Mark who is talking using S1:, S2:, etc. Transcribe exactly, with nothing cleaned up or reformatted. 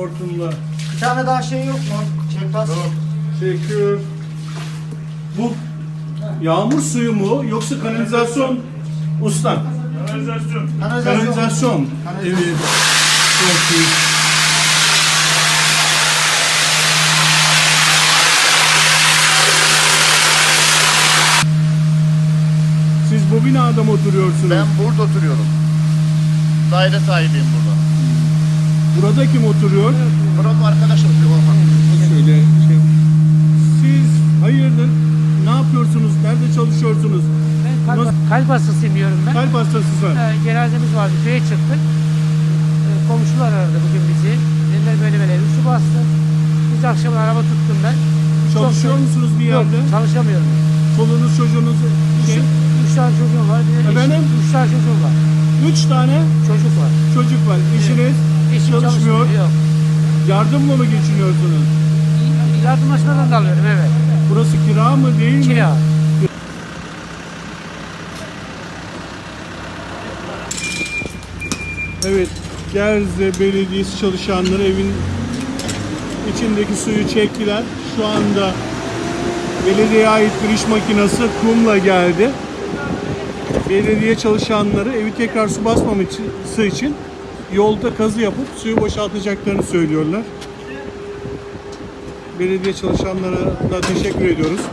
S1: hortumla.
S2: Bir tane daha şey yok mu? Çekmez.
S1: Tamam. Çekiyor. Bu yağmur suyu mu yoksa kanalizasyon ustam?
S3: Kanalizasyon.
S2: Kanalizasyon.
S1: Kanalizasyon. Evet. Çok iyi. Siz bu binada mı oturuyorsunuz?
S4: Ben burada oturuyorum. Daire sahibiyim burada.
S1: Burada kim oturuyor?
S4: Buranın arkadaşım bir olmak.
S1: Şöyle şey. Siz hayırdır? Ne yapıyorsunuz? Nerede çalışıyorsunuz?
S5: Ben kalp,
S1: Nasıl-
S5: kalp hastasıyım diyorum ben.
S1: Kalp hastasısın.
S5: Ee, cenazemiz vardı, köye çıktık. Ee, komşular aradı bugün bizi. Dediler böyle böyle üstü bastı. Biz akşam araba tuttum ben.
S1: Çalışıyor
S5: Çok-
S1: musunuz bir
S5: Yok,
S1: yerde?
S5: çalışamıyorum.
S1: Çoluğunuz çocuğunuz şey,
S5: Üç, üç tane çocuğum var. Bir de eşim-
S1: Efendim?
S5: Üç tane çocuğum var.
S1: üç tane
S5: Çocuk var.
S1: çocuk var. Eşiniz
S5: Eşim
S1: çalışmıyor.
S5: Yok.
S1: Yardımla mı geçiniyorsunuz?
S5: Yardımlaşmadan da alıyorum, evet.
S1: Burası kira mı değil mi?
S5: Kira.
S1: Evet. Gerze Belediyesi çalışanları evin içindeki suyu çektiler. Şu anda belediyeye ait bir iş makinesi kumla geldi. Belediye çalışanları evi tekrar su basmaması için yolda kazı yapıp suyu boşaltacaklarını söylüyorlar. Belediye çalışanlarına da teşekkür ediyoruz.